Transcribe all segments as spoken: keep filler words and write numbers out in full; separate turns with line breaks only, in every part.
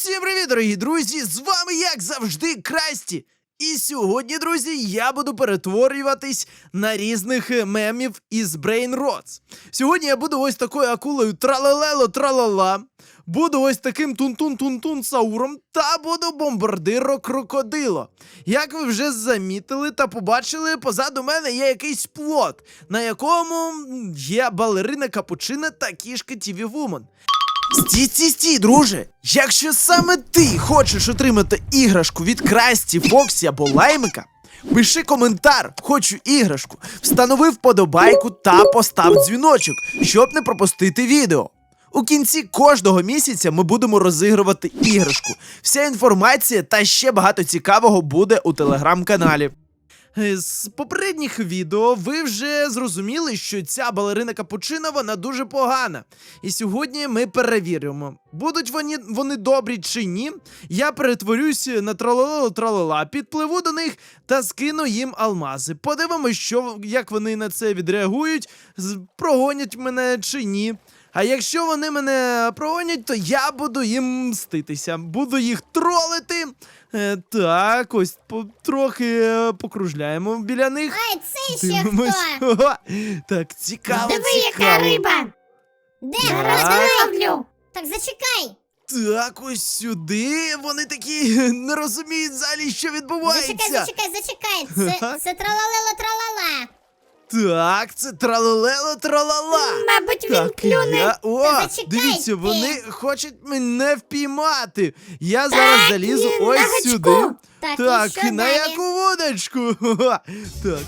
Всім привіт, дорогі друзі! З вами, як завжди, Красті. І сьогодні, друзі, я буду перетворюватись на різних е, мемів із Brain Rots. Сьогодні я буду ось такою акулою тралелело-тралала, буду ось таким тун-тун-тун-тун сауром та буду бомбардиро-крокодило. Як ви вже замітили та побачили, позаду мене є якийсь плот, на якому є балерина Капучина та кішка Тіві Вумен. Стій, стій, стій, друже! Якщо саме ти хочеш отримати іграшку від Красті, Фоксі або Лаймика, пиши коментар «Хочу іграшку», встанови вподобайку та постав дзвіночок, щоб не пропустити відео. У кінці кожного місяця ми будемо розігрувати іграшку. Вся інформація та ще багато цікавого буде у телеграм-каналі. З попередніх відео ви вже зрозуміли, що ця балерина Капучина, вона дуже погана. І сьогодні ми перевіримо, будуть вони, вони добрі чи ні. Я перетворюсь на тралалело-тралала, підпливу до них та скину їм алмази. Подивимось, що, як вони на це відреагують, прогонять мене чи ні. А якщо вони мене прогонять, то я буду їм мститися. Буду їх тролити. Е, так, ось по, трохи е, покружляємо біля них.
Ай, це ще
Дивимось.
хто?
Ха, так, цікаво,
Диви,
цікаво.
яка риба!
Де?
Зараз
Давай.
ловлю.
Так, зачекай.
Так, ось сюди. Вони такі не розуміють взагалі, що відбувається.
Зачекай, зачекай, зачекай. Це, це тралалело-тралала.
Так, це тралелело-тралала.
Мабуть, він
Так,
клюне.
я... О,
Та зачекай
дивіться,
ти.
вони хочуть мене впіймати. Я зараз
Так,
залізу
і на
ось
гачку.
сюди.
Так,
Так,
і що
на
далі?
яку вудочку? Ха, так.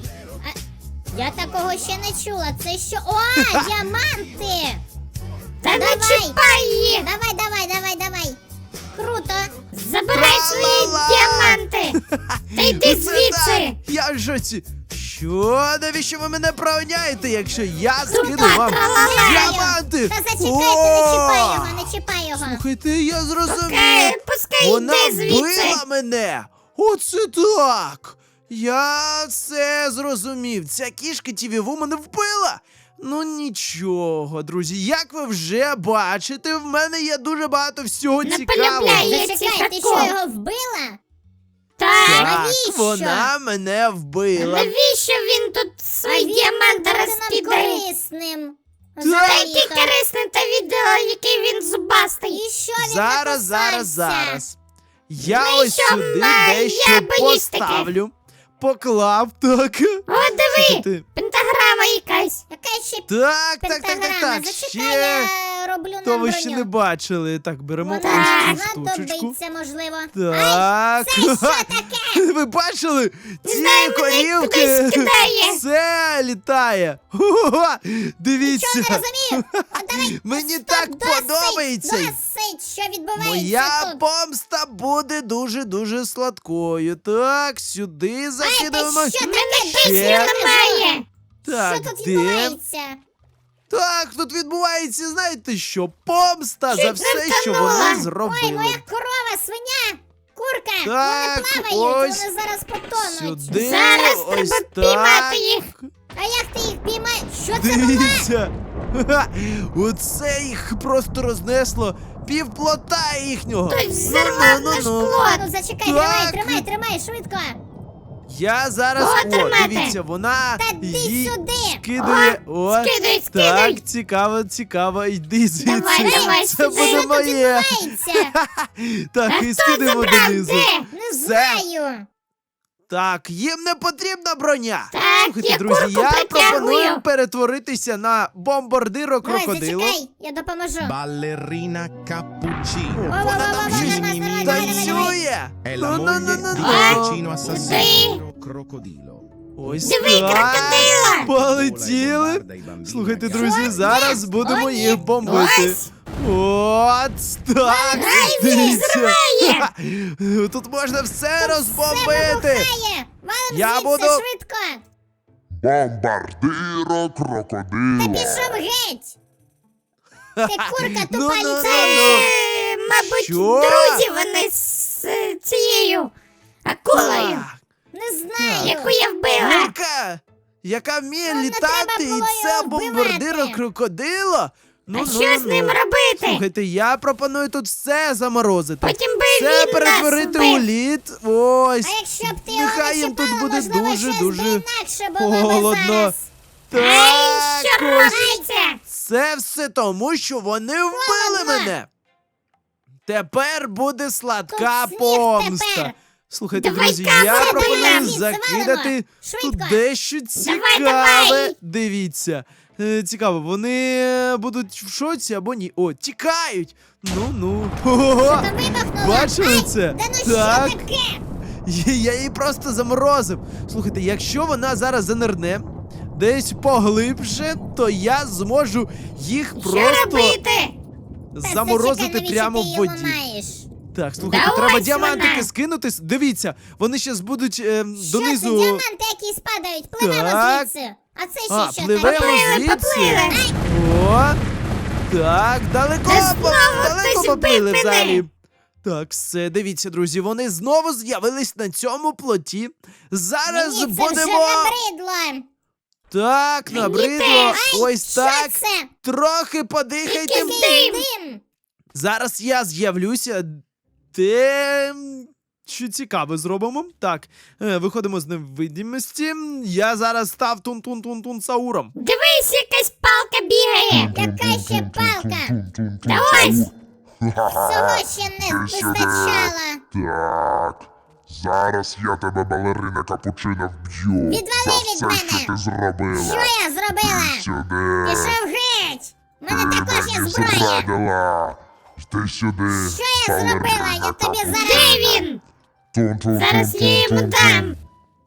Я такого ще не чула. Це що? О, діаманти!
Та не
Давай.
чіпай їх!
Давай, давай, давай, давай. Круто.
Забирай свої
Тра-ла-ла.
діаманти! Та йди
Оце
звідси!
так. Я в шоці. Що? Навіщо ви мене проганяєте, якщо я скину вам
тралала.
діаманти?
Та зачекай, ти не чіпай
О!
його, не чіпай його.
Слухайте, я зрозумів.
Пускай, пускай
Вона
йди звідси!
вбила мене! Оце так! Я все зрозумів. Ця кішка Тіві Вумен вбила! Ну нічого, друзі, як ви вже бачите, в мене є дуже багато всього
Не
цікавого.
полюбляю. Є
Зачекай, ти
ці
що,
тако.
його вбила?
Так!
Так,
Навіщо?
вона мене вбила.
Навіщо він тут свої діаманти
Буде нам
розкидає?
корисним.
Та який корисний та відео, який він зубастий!
І що він
Зараз, зараз,
написався?
зараз. Я
Ну і
ось
що,
сюди
ма,
дещо
я боюсь таке.
поставлю. Поклав, так.
О, диви!
Слухайте,
Пентаграма якась!
Яка ще
Так, так, так, так,
пентаграма?
так.
Зачекай,
Ще.
я роблю нам
То ви
броню.
ще не бачили. Так, беремо
Вона
ось цю
нам
штучку.
знадобиться, можливо.
Так.
Ай, це що таке?
Ви бачили? Ці
знаю, мене
корівки.
кудись кидає.
Це літає. Хо-хо-хо. Дивіться.
Що не розумію? А давай,
Мені
стоп,
так
досить,
подобається.
Досить, що відбувається
Моя
тут?
помста буде дуже-дуже сладкою. Так, сюди
Ай,
закидуємо.
ти що
У
таке?
мене
Досить,
пісні
я не
немає!
знаю.
Так,
Що тут
де?
відбувається?
Так, тут відбувається, знаєте що? Помста за
Чуть
все,
не
що
втонула.
вони
Ой,
зробили.
моя корова, свиня, курка,
Так,
вони плавають,
ось
вони зараз потонуть.
Сюди,
Зараз
ось
треба
так.
піймати їх.
А як ти їх піймаєш? Що це було?
Дивіться. Ха-ха. Оце їх просто рознесло. Півплота їхнього.
Хтось взірвав
Ну-ну-ну-ну.
наш плот.
Ну зачекай,
Так.
тримай, тримай, тримай, швидко.
Я зараз,
О,
о,
тримайте.
дивіться, вона
Та йди
їй
сюди.
скидає. О,
скидай,
так,
скидай.
цікаво, цікаво, йди звідси.
Давай, давай,
Це
сюди.
буде
Що тут
моє.
відбувається?
Так,
А
і
хто
скидаємо
забрав
донизу.
де?
Не
Все.
знаю.
Так, їм не потрібна броня.
Так,
Слухайте,
я
друзі,
курку
я
притягую.
пропоную перетворитися на бомбардиро
Давай,
крокодило.
зачекай, я допоможу.
Ballerina cappuccino.
Во, во, во,
Вона
во,
там
во,
щось
давай, давай, давай, давай, давай.
танцює.
È la
Ну, ну, ну,
moglie
ну,
di
ну.
Cappuccino assassino crocodilo.
Ось
Диви,
так.
крокодила.
Полетіли.
Vola e bombarda i bambini
Слухайте,
ragazzi.
друзі,
Що?
зараз
Ні.
будемо
О, ні.
їх бомбити.
Ось.
От так.
Ай, він
Дивіться.
зриває.
Тут можна все
Все
розбомбити.
вибухає. Валим
Я
звідси
буду-
швидко.
Бомбардиро
Та
крокодило.
пішов геть. Ти курка
Ну,
тупа
ну,
ліцею.
ну, ну.
Е, Мабуть,
Що?
друзі вони з е, цією акулою,
Так.
Не знаю.
яку я вбила.
Курка, яка вміє
Ну, не
літати,
треба
і
було
це
його
бомбардиро
вбивати.
крокодило. Ну,
А
ну,
що з
ну.
ним робити?
Слухайте, я пропоную тут все заморозити.
Потім би
Все
він
перетворити
нас
у
вбив.
лід. Ось.
А якщо б ти його
Нехай
не
їм тут
чіпала,
буде
можливо,
дуже,
щось
дуже
би інакше було би
холодно.
зараз.
Ай,
Так,
що
ось.
робиться?
Це все тому, що вони вбили
Холодно.
мене. Тепер буде сладка
Тут сніг
помста.
тепер.
Слухайте,
Давай
друзі,
камеру
я
туди
пропоную
звідси
закидати
валимо.
тут
Швидко.
дещо
Давай,
цікаве.
давай.
Дивіться. Е, Цікаво, вони е, будуть в шоці або ні. О, тікають! Ну-ну. Ого!
Та вибухнуло.
Бачили
Ай,
це?
Да ну
Так.
що таке?
Я її просто заморозив. Слухайте, якщо вона зараз занирне десь поглибше, то я зможу їх
Що
просто
робити?
Та
заморозити
зачекай, навіщо
прямо
ти
в
його
воді.
маєш?
Так, слухайте,
Да
треба
ось
діамантики
вона.
скинути. Дивіться, вони зараз будуть е,
Що це
донизу.
діаманти, які спадають? Пливемо
Так.
звідси. А це ще
А,
що
пливемо
таке?
Поплили,
звідси.
поплили.
О! Так, далеко,
Та
по-
знову
далеко
хтось
поплили
вбив мене.
взагалі. Так, все, дивіться, друзі, вони знову з'явились на цьому плоті. Зараз
Мені це
будемо.
вже набридло.
Так,
Мені
набридло.
теж.
Ось
Що
так.
це?
Трохи подихайте.
Який
Який
дим.
дим?
Зараз я з'явлюся. Де. Що цікаве зробимо? Так, е, виходимо з невидимості. Я зараз став тун-тун-тун-тун Сауром.
Дивись, якась палка бігає.
Яка ще палка?
Та ось.
Цього ще не
Ти сюди.
вистачало.
Так. Зараз я тебе, балерина капучино, вб'ю.
Відвали
За
від
все,
мене.
що ти зробила.
Що я зробила?
Сюди.
Пішов геть. У мене
Ти
також є
мені
зброя.
зрадила. Йди сюди.
Що я зробила? Я тобі зараз...
Де він?
Тун-тун-тун-тун-тун-тун.
Зараз я йому дам.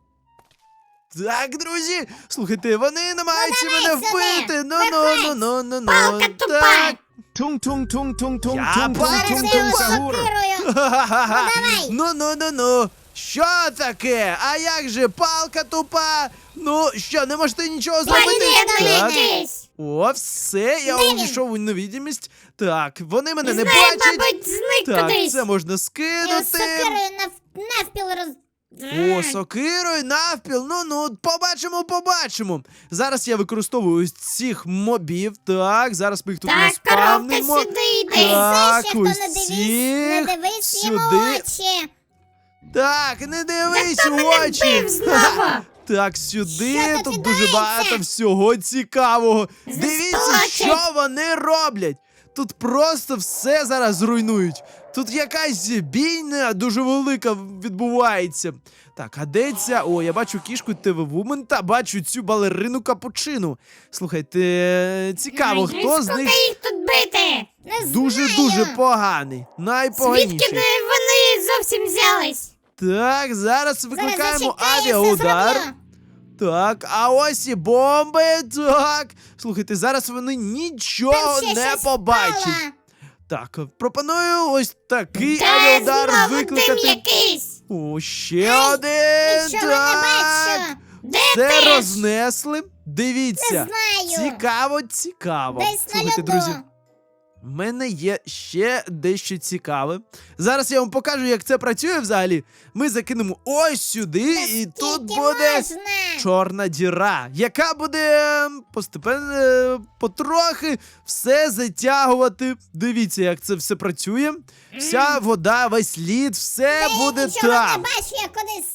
Так, друзі, слухайте, вони намагаються
давай
мене
сюди,
вбити. Ну, ну, ну, ну, ну, ну.
Палка тупа.
Так.
Tung tung tung tung tung
Я
tung tung
бачу.
tung
Зараз я
tung
його
sahur.
сокирую.
Ха-ха-ха.
давай.
Ну, ну, ну, ну. Що таке? А як же палка тупа? Ну, що, не можете нічого зробити?
Поліно
Так.
якийсь.
О, все, я
Де він?
увійшов у невидимість. Так, вони мене не
Не знаю,
бачать.
мабуть, зник
Так,
кудись.
це можна
Я
скинути.
сокирою нав... навпіл роз...
О, сокирою навпіл. Ну ну, побачимо, побачимо. Зараз я використовую ось цих мобів. Так, зараз ми їх тут
Так, коровка
наспавнимо.
сюди
А
йде.
Так,
це ще хто не
ось
дивись, не
цих
дивись йому
сюди.
очі.
Так, не дивись
хто
у
мене
очі.
вбив знову?
Ха-ха. Так, сюди
Що тут
тут дуже
відбувається?
багато всього цікавого. Дивіться,
Засточать.
що вони роблять. Тут просто все зараз зруйнують. Тут якась бійня дуже велика відбувається. Так, а де ця? О, я бачу кішку ТВ-вумен та бачу цю балерину капучину. Слухайте, цікаво,
Ай,
хто з
скільки
них
їх тут бити?
Не знаю.
дуже-дуже поганий.
Звідки
Найпоганіший.
не вони зовсім взялись?
Так, зараз
Зараз
викликаємо
зачекай, я все
авіаудар.
зроблю.
Так, а ось і бомби. Так. Слухайте, зараз вони нічого
Там ще
не
щось
побачать.
впало.
Так, пропоную ось такий
Та
авіаудар
знову дим
викликати.
якийсь.
О, ще один.
Нічого не
Так.
бачу.
Де
Це
ти?
рознесли. Дивіться.
Не знаю.
Цікаво, цікаво.
Десь на
Слухайте,
льоду.
друзі. В мене є ще дещо цікаве. Зараз я вам покажу, як це працює взагалі. Ми закинемо ось сюди, і тут
Скільки
буде
можна?
чорна діра, яка буде ем, постепенно, е, потрохи все затягувати. Дивіться, як це все працює. Вся вода, весь лід, все
Та я
буде
нічого не
там.
бачу, я кудись...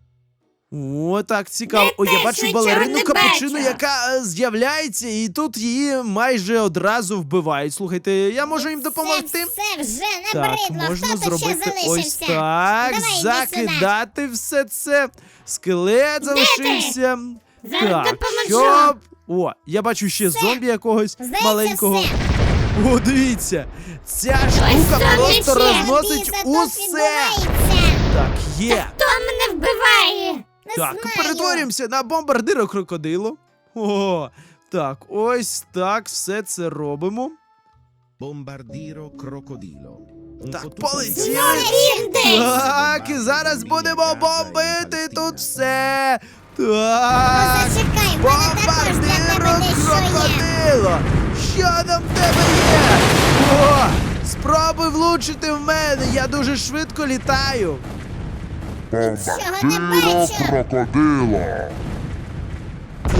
О, так цікаво.
Я
О, я
теж
бачу
нічого
балерину
не
капучину,
бачу.
яка е, з'являється, і тут її майже одразу вбивають. Слухайте, я можу їм допомогти?
Це, це вже
Так,
набридло.
можна
Хто тут ще
зробити ось
залишився?
так,
Давай, йди
закидати все це. Скелет залишився.
Зараз
Так,
допоможу.
щоб... О, я бачу ще зомбі якогось
Здається,
маленького.
все.
О, дивіться, ця штука
зомбі
просто
ще.
розносить
Біса тут
усе.
відбувається.
Так, є.
Хто мене вбиває?
Не
Так,
знаю.
перетворюємося на бомбардира крокодилу. О, так, ось так все це робимо.
Bombardiro crocodilo. Un
Так,
fottuto
полетіли.
Знову він десь.
Так, і зараз будемо бомбити тут все.
Ну,
Так,
зачекай, в мене також для тебе
бомбардиро
дещо є.
крокодило. Що там в тебе є? О, спробуй влучити в мене, я дуже швидко літаю.
Нічого не
Bombardiro
бачу.
crocodilo.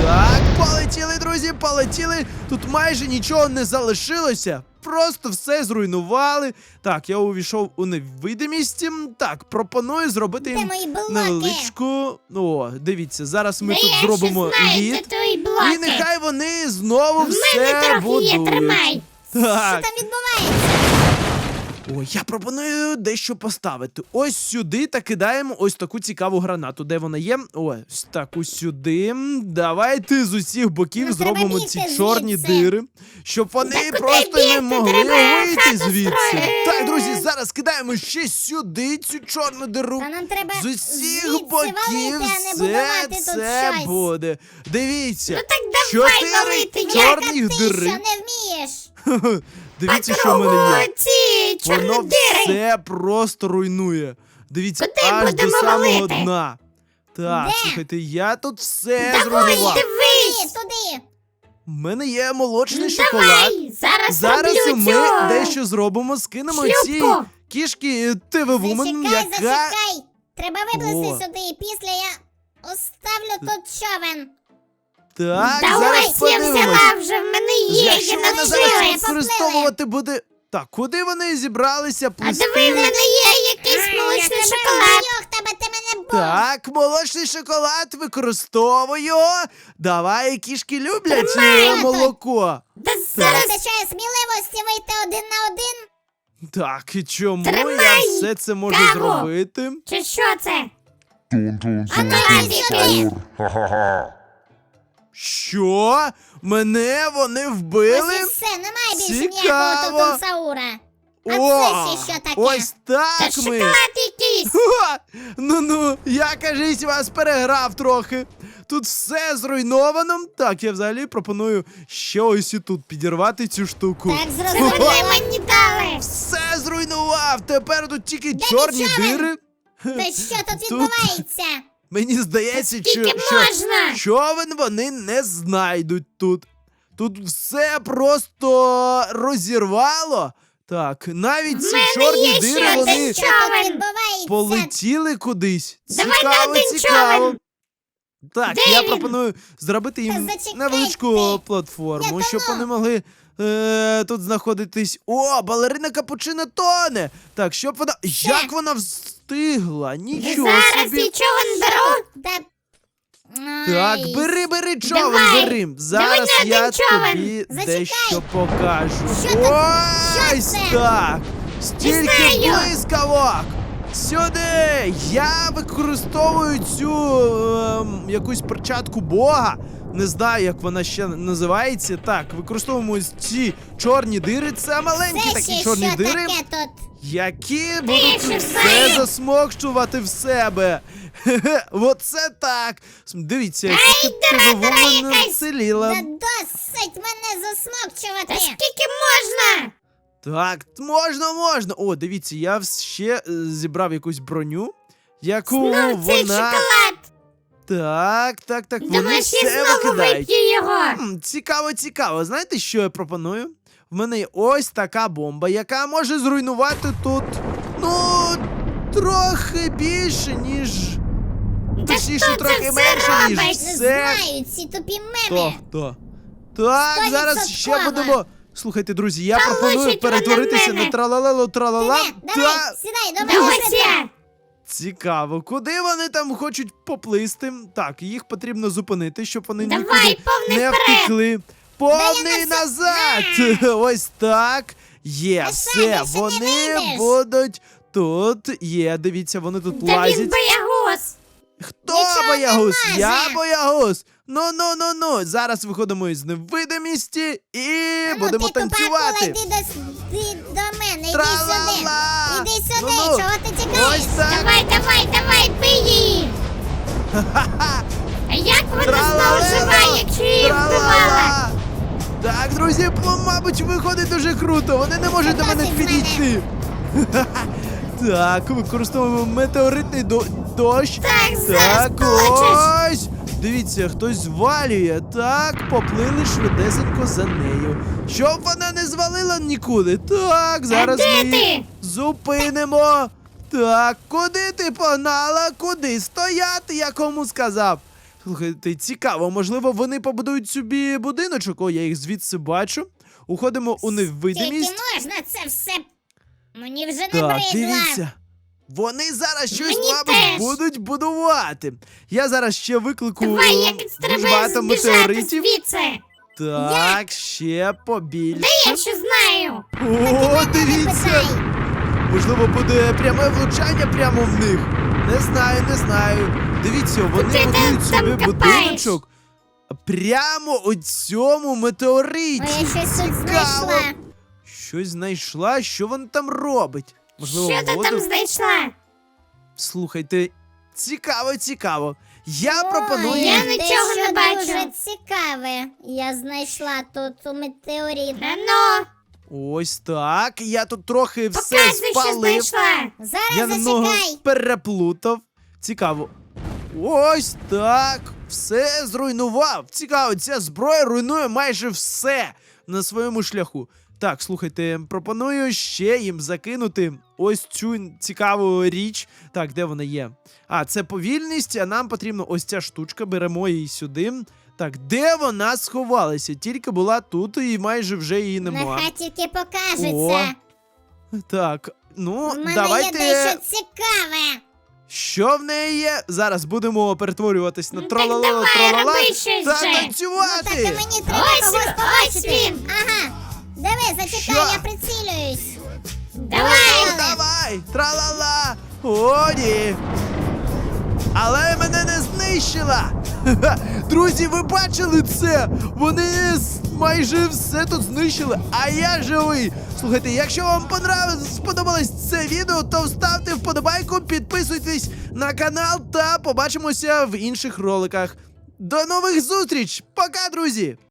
Так, полетіли, друзі, полетіли. Тут майже нічого не залишилося. Просто все зруйнували. Так, я увійшов у невидимість. Так, пропоную зробити
Де
їм
мої блоки?
невеличку. О, дивіться, зараз ми
Та
тут
я
зробимо
ще знаю,
лід.
де твої блоки.
І нехай вони знову
В
все
мене трохи є,
будують.
тримай.
Що
Так,
там відбувається?
ой, я пропоную дещо поставити. Ось сюди та кидаємо ось таку цікаву гранату. Де вона є? Ось таку сюди. Давайте з усіх боків
Ну, треба
зробимо
бігти
ці чорні
звідси.
дири, щоб вони
Та куди
просто не
бігти?
могли
Треба
вийти
хату
звідси.
строїти.
Так, друзі, зараз кидаємо ще сюди цю чорну диру.
Та нам треба
З усіх
звідси
боків
валити, а не
все
будувати тут
це
щось.
буде. Дивіться.
Ну так давай
Чотири
валити, як
чорних
Як ти,
дири.
що не вмієш?
Дивіться, що в мене є.
ці
Воно
чорні дири.
все просто руйнує. Дивіться,
Куди
аж до
будемо
самого
валити?
дна. Так,
Де?
слухайте, я тут все
Давай,
зруйнував.
дивись.
Туди, туди.
У мене є молочний
Ну,
шоколад.
давай, зараз,
Зараз
роблю
ми
цю
дещо зробимо, скинемо ці
шлюпку.
кішки ТВ Woman,
Зачекай,
яка.
зачекай. Треба
О.
виплисти сюди, і після я оставлю тут човен.
Так,
Давай,
зараз
я
подивимось.
взяла вже, в мене є,
Якщо
я
вона зараз
навчилась.
використовувати буде. Так, куди вони зібралися
А
плисти?
диви, в мене є якийсь
Я
молочний
тебе
шоколад.
вб'ю, тебе ти мене був.
Так, молочний шоколад використовую. Давай, кішки люблять
Тримай.
е, молоко.
Та
Не
зараз
вистачає сміливості вийти один на один.
Так, і чому
Тримай
я все це можу
каву.
зробити?
чи що це?
Тун-тун-тун-тун-тур. Ха-ха-ха.
Що? Мене вони вбили?
Ось і все, немає більше
Цікаво.
ніякого тутунсаура. А
О,
це ще що таке?
ось
Та
так ми.
шоколад якийсь.
Ха! Ну-ну, я, кажись, вас переграв трохи. Тут все зруйновано. Так, я взагалі пропоную ще ось і тут підірвати цю штуку.
Так,
Це
зрозуміло.
вони мені дали.
Все зруйнував. Тепер тут тільки чорні
човен?
дири.
Та що тут
Тут-
відбувається?
Мені здається, що,
Скільки
що
можна?
човен вони не знайдуть тут. Тут все просто розірвало. Так, навіть ці
мене
чорні
є
дири
ще
вони
один
Що тут
човен.
відбувається?
полетіли кудись.
Давай на
Цікаво,
один
цікаво.
човен.
Так,
Де
я
він?
пропоную зробити їм
Та зачекайте.
невеличку платформу,
Я
щоб
давно.
вони могли е, тут знаходитись. О, балерина Капучино тоне! Так, щоб вона. Як вона встигла? Нічого
Зараз
собі.
і човен беру.
Та...
Так,
Ай,
бери, бери човен,
Давай.
бери.
Давай
Зараз
на один
я
човен.
тобі
Зачекай.
дещо покажу.
Що тут? Що
Ось
це?
так. Стільки
знаю.
блискавок. Сюди! Я використовую цю ем, якусь перчатку Бога. Не знаю, як вона ще називається. Так, використовуємо ось ці чорні дири. Це маленькі
Це
такі
ще
чорні
що
дири,
таке тут?
які будуть
ще
все
знаю.
засмокчувати в себе. Хе-хе, оце так. Дивіться, як
Ай, дира, дира
вона
якась.
вціліла.
Та досить мене
Та
засмокчувати.
скільки можна?
Так, можна, можна. О, дивіться, я вс- ще е, зібрав якусь броню, яку
Ну, цей
вона.
шоколад.
Так, так, так, вони
Думаєш, я
все
знову
викидають.
вип'ю його?
М, Цікаво, цікаво. Знаєте, що я пропоную? В мене є ось така бомба, яка може зруйнувати тут, ну, трохи більше, ніж.
Та
Точніше,
хто це
трохи
все
менше, ніж
робить?
Не
все.
знаю, ці тупі
Хто?
меми.
Хто? Так, зараз ще
Стовідсотково.
будемо. Слухайте, друзі, я
Та
пропоную
лучить вона
перетворитися
мене.
на тралалело тралала.
Диви, давай,
Та
сідай, до
Та
мене
ось
швидко.
я.
цікаво, куди вони там хочуть поплисти? Так, їх потрібно зупинити, щоб вони
Давай,
нікуди
повний
не
вперед.
втекли. Повний
Да я на
назад!
все-
Ось так. Є,
Та
все,
Саня, ще не
вони
вийдеш.
будуть тут. Є, дивіться, вони тут
Та він
лазять.
боягуз.
Хто
Нічого
боягуз?
не
Я
може.
боягуз. Ну ну ну ну. Зараз виходимо із невидимості і
А ну,
будемо
ти тупа
танцювати.
акула, йди до, с- ти до мене, іди
Тра-ла-ла.
сюди. Іди сюди,
Ну-ну.
чого ти тікаєш?
Ось так.
Давай, давай, давай, бий її. А як вона знову
Тра-ла-лело,
жива, якщо її вбивала?
тра-ла-ла. Так, друзі, м- мабуть, виходить дуже круто. Вони не можуть до мене
досить з мене.
підійти. Так, використовуємо метеоритний до- дощ.
Так, зараз
Так,
точиш.
ось. Дивіться, хтось звалює. Так, поплили швидесенько за нею. Щоб вона не звалила нікуди. Так, зараз
де
ми
ти?
її зупинимо. Так, куди ти погнала? Куди? Стояти, я кому сказав. Слухайте, цікаво, можливо, вони побудують собі будиночок. О, я їх звідси бачу. Уходимо у
Тільки
невидимість.
можна це все. Мені вже не
Так,
бридла.
дивіться. Вони зараз щось,
Мені
мабуть,
теж.
будуть будувати. Я зараз ще виклику
Давай, як
дуже
треба
багато
збіжати
метеоритів.
звідси.
Так, ще побільше.
Я що знаю.
О, дивіться!
Питай.
Можливо, буде пряме влучання прямо в них. Не знаю, не знаю. Дивіться, вони
ти
будують
там
собі
копаєш?
будиночок прямо у цьому метеориті.
Ой, я щось тут
Цікаво.
знайшла.
Щось знайшла, що вона там робить? Можливо,
Що ти
воду?
там знайшла?
Слухайте, цікаво, цікаво. Я
Ой,
пропоную.
я не- нічого
дещо
не бачу.
дуже цікаве. Я знайшла тут у метеорит.
Ну,
Ось так. Я тут трохи все
показуй, що
спалив.
знайшла.
Зараз
Я немного
зачекай.
переплутав. Цікаво. Ось так. Все зруйнував. Цікаво, ця зброя руйнує майже все на своєму шляху. Так, слухайте, пропоную ще їм закинути ось цю цікаву річ. Так, де вона є? А, це повільність, а нам потрібна ось ця штучка. Беремо її сюди. Так, де вона сховалася? Тільки була тут і майже вже її нема.
Нехай тільки
О,
покажеться.
Так, ну,
У мене
давайте.
є дещо цікаве.
Що в неї є? Зараз будемо перетворюватись на
Ну,
тролала
так давай,
тролала
роби щось
та
же.
Ну так і
танцювати.
мені треба
Ось
когось
він, ось
побачити.
він.
Ага. Диви, зачекай,
Що?
я прицілююсь.
Давай.
Ну, давай, тралала. О, ні. Але мене не знищила. Ха-ха. Друзі, ви бачили це? Вони с- майже все тут знищили, а я живий. Слухайте, якщо вам понравилось, сподобалось це відео, то ставте вподобайку, підписуйтесь на канал та побачимося в інших роликах. До нових зустріч! Пока, друзі!